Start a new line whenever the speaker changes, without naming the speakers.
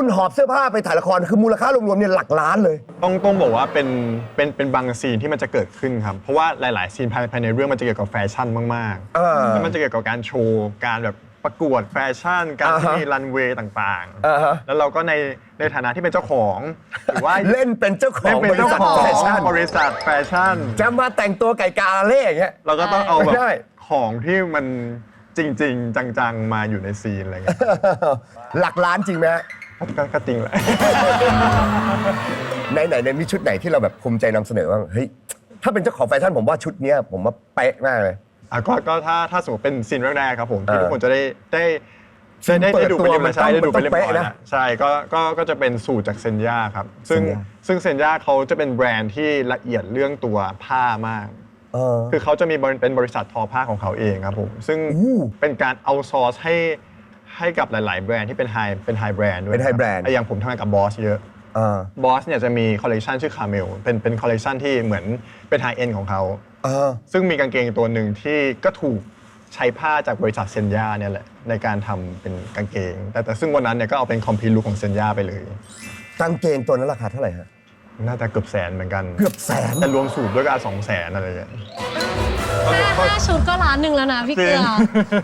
คุณหอบเสื้อผ้าไปถ่ายละครคือมูลค่ารวมๆเนี่ยหลักล้านเลย
ต้องบอกว่าเป็นบางซีนที่มันจะเกิดขึ้นครับเพราะว่าหลายๆซีนภายในเรื่องมันจะเกี่ยวกับแฟชั่นมากๆแล้วมันจะเกี่ยวกับการโชว์การแบบประกวดแฟชั่นการที่มีรันเวย์ต่างๆแล้วเราก็ในฐานะที่เป็นเจ้าของหรือว่า
เล่นเป็นเจ้าของบริษัทแฟชั่น
บริษัทแฟชั่น
จะมาแต่งตัวไก่กาเล่อย่างเงี้ย
เราก็ต้องเอาแบบ
ได้
ของที่มันจริง ๆ จังๆมาอยู่ในซีนอะไรเงี้ย
หลักล้านจริงไหมฮะ
ก็จริงแหละ
ไหนมีชุดไหนที่เราแบบภูมิใจนำเสนอว่าเฮ้ยถ้าเป็นเจ้าของแฟชั่นผมว่าชุดเนี้ยผมว่าเป๊ะมากเลย
ก็ถ้าสมมติเป็นซีนแรกๆครับผมที่ทุกคนจะได้
เปิด
ดู
ตั
ไป
ว
เรียบร้อยใช่ได้ดูไปเรียบร้อย
มันต้องเป๊ะ
แล้
นะ
วใช่ก็จะเป็นสูตรจากเซนย่าครับซึ่ง
Senya
เซนย่าเขาจะเป็นแบรนด์ที่ละเอียดเรื่องตัวผ้ามาก คือเขาจะมีเป็นบริษัททอผ้าของเขาเองครับผมซึ่งเป็นการเอาซอร์สให้กับหลาย ๆ แบรนด์ที่เป็นไฮแบรนด์ด้วย
เป็น high brand
อย่างผมทำงานกับบอสเยอะบอสเนี่ยจะมีคอลเลกชันชื่อคาเมลเป็นคอลเลกชันที่เหมือนเป็นไฮเอ็นของเขาซึ่งมีกางเกงตัวหนึ่งที่ก็ถูกใช้ผ้าจากบริษัทเซนย่าเนี่ยแหละในการทำเป็นกางเกงแต่ซึ่งวันนั้นเนี่ยก็เอาเป็นคอมพลีทลุคของเซนย่าไปเลย
กางเกงตัวนั้นราคาเท่าไหร่ฮะ
น่าจะเกือบแสนเหมือนกัน
เกือบแสน
แต่รวมสูตรด้วยก็200,000อะไรอย่างเงี้ย
5 ชุดก็1,000,000แล้วนะพี่เกลือ